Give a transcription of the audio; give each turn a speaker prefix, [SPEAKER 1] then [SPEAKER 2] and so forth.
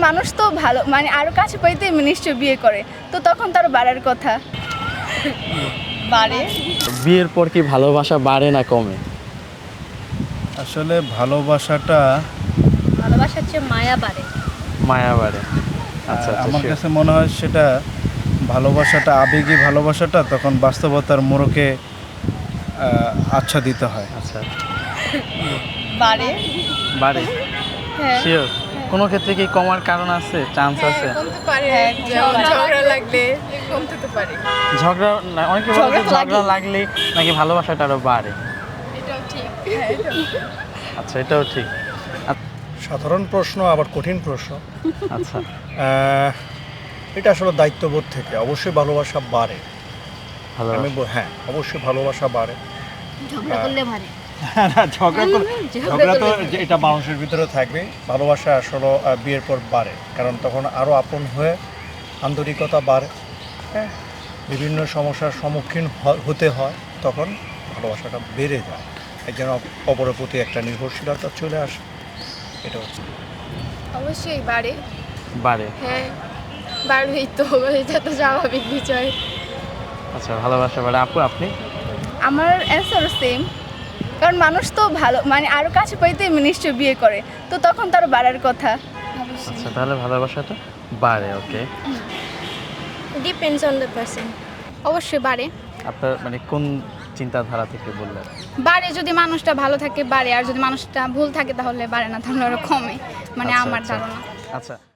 [SPEAKER 1] মানুষ তো ভালো মানে আরো কাছে পাইতে নিশ্চয় বিয়ে করে, তো তখন তার বাড়ার কথা। বাড়ে।
[SPEAKER 2] বিয়ের পর কি ভালোবাসা বাড়ে না কমে?
[SPEAKER 3] আসলে ভালোবাসাটা
[SPEAKER 4] ভালোবাসার চেয়ে মায়া বাড়ে।
[SPEAKER 2] মায়া বাড়ে। আচ্ছা
[SPEAKER 3] আমার
[SPEAKER 2] sure.
[SPEAKER 3] কাছে মনে হয় সেটা ভালোবাসাটা আবেগী ভালোবাসাটা তখন বাস্তবতার মোড়কে আচ্ছা দিতে হয়।
[SPEAKER 2] আচ্ছা
[SPEAKER 1] বাড়ে।
[SPEAKER 2] বাড়ে
[SPEAKER 1] হ্যাঁ।
[SPEAKER 2] শিওর। কোনো ক্ষেত্রে কি কমার কারণ আছে, চান্স আছে?
[SPEAKER 1] কমতে পারে, ঝগড়া লাগলে কমতে তো পারে।
[SPEAKER 2] ঝগড়া না, অনেকে বলে যে ঝগড়া লাগলে নাকি ভালোবাসাটা আরো বাড়ে।
[SPEAKER 1] এটাও ঠিক।
[SPEAKER 2] আচ্ছা এটাও ঠিক।
[SPEAKER 5] সাধারণ প্রশ্ন আবার কঠিন প্রশ্ন।
[SPEAKER 2] আচ্ছা
[SPEAKER 5] এটা আসলে দায়িত্ববোধ থেকে অবশ্যই ভালোবাসা বাড়ে।
[SPEAKER 2] ভালো
[SPEAKER 5] হ্যাঁ অবশ্যই ভালোবাসা বাড়ে।
[SPEAKER 4] ঝগড়া করলে বাড়ে।
[SPEAKER 5] না, ঝগড়া তো এটা মানুষের ভিতরে থাকবে। ভালোবাসা আসলে বিয়ের পর বাড়ে, কারণ তখন আরও আপন হয়ে আন্তরিকতা বাড়ে। হ্যাঁ, বিভিন্ন সমস্যার সম্মুখীন হতে হয়, তখন ভালোবাসাটা বেড়ে যায়। একজন অপরের প্রতি একটা নির্ভরশীলতা চলে আসে। এটা হচ্ছে
[SPEAKER 1] অবশ্যই বাড়ে।
[SPEAKER 2] বাড়ে।
[SPEAKER 1] হ্যাঁ বাড়বেই তো, এটা তো স্বাভাবিক বিষয়।
[SPEAKER 2] আচ্ছা ভালোবাসা বাড়ে। আপু আপনি?
[SPEAKER 1] আমার অ্যান্সার সেম, কারণ মানুষ তো ভালো মানে আরো কাছে পাইতে নিশ্চয় বিয়ে করে, তো তখন তার বাড়ার কথা।
[SPEAKER 2] আচ্ছা তাহলে ভালোবাসাটা বাড়ে। Okay,
[SPEAKER 4] depends on the person. অবশ্যই বাড়ে।
[SPEAKER 2] আপনার মানে কোন চিন্তাধারা থেকে বললেন?
[SPEAKER 6] বাড়ে যদি মানুষটা ভালো থাকে বাড়ে, আর যদি মানুষটা ভুল থাকে তাহলে বাড়ে না, তাহলে আরো কমে, মানে
[SPEAKER 2] আচ্ছা,
[SPEAKER 6] আমার
[SPEAKER 2] আচ্ছা।
[SPEAKER 6] ধারণা।
[SPEAKER 2] আচ্ছা